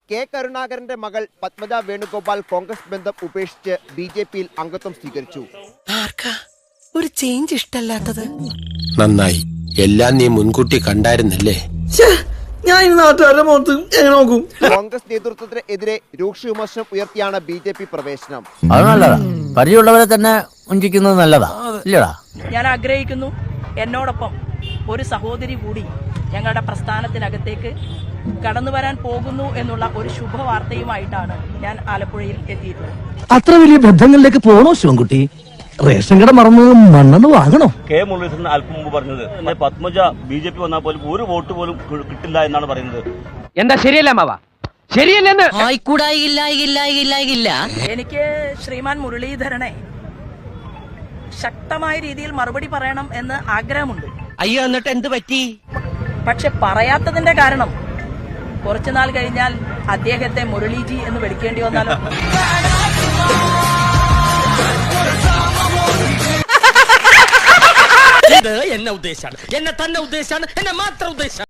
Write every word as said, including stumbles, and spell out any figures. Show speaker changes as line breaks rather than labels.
K കരുണാകരന്റെ മകൾ പത്മജ വേണുഗോപാൽ കോൺഗ്രസ് ബന്ധം ഉപേക്ഷിച്ച് ബി ജെ പിയിൽ അംഗത്വം സ്വീകരിച്ചു.
ഒരു ചേഞ്ച് ഇഷ്ടല്ലാത്തത്
നന്നായി. എല്ലാം നീ മുൻകൂട്ടി കണ്ടായിരുന്നല്ലേ?
ഞാൻ നാട്ടുകാരുടെ മുഖത്ത് എങ്ങനെ നോക്കും?
കോൺഗ്രസ് നേതൃത്വത്തിന് എതിരെ രൂക്ഷ വിമർശനം ഉയർത്തിയാണ് ബി ജെ പി പ്രവേശനം.
അത് നല്ലതാ. പരിചയമുള്ളവരെ തന്നെ വഞ്ചിക്കുന്നത് നല്ലതാ, ഇല്ലടാ?
ഞാൻ ആഗ്രഹിക്കുന്നു എന്നോടൊപ്പം ഒരു സഹോദരി കൂടി ഞങ്ങളുടെ പ്രസ്ഥാനത്തിനകത്തേക്ക് കടന്നു വരാൻ പോകുന്നു എന്നുള്ള ഒരു ശുഭവാർത്തയുമായിട്ടാണ് ഞാൻ ആലപ്പുഴയിൽ എത്തിയിട്ടുള്ളത്.
അത്ര വലിയ ബന്ധങ്ങളിലേക്ക് പോണോ ശിവൻകുട്ടി? റേഷൻ കട മറന്ന് മണ്ണെന്ന് വാങ്ങണോ?
കെ മുരളീധരൻ അല്പം മുമ്പ് പറഞ്ഞത് പത്മജ ബി ജെ പി വന്നാൽ പോലും ഒരു വോട്ട് പോലും കിട്ടില്ല എന്നാണ് പറയുന്നത്.
എന്താ ശരിയല്ല മാവാ? ശരിയല്ലെന്ന്
എനിക്ക് ശ്രീമാൻ മുരളീധരനെ ശക്തമായ രീതിയിൽ മറുപടി പറയണം എന്ന് ആഗ്രഹമുണ്ട്.
അയ്യോ, എന്നിട്ട് എന്ത് പറ്റി?
പക്ഷെ പറയാത്തതിന്റെ കാരണം കുറച്ചുനാൾ കഴിഞ്ഞാൽ അദ്ദേഹത്തെ മുരളീജി എന്ന് വിളിക്കേണ്ടി വന്നാലോ?
എന്നെ ഉദ്ദേശാണ്, എന്നെ തന്നെ ഉദ്ദേശാണ്, എന്നെ മാത്രം ഉദ്ദേശാണ്.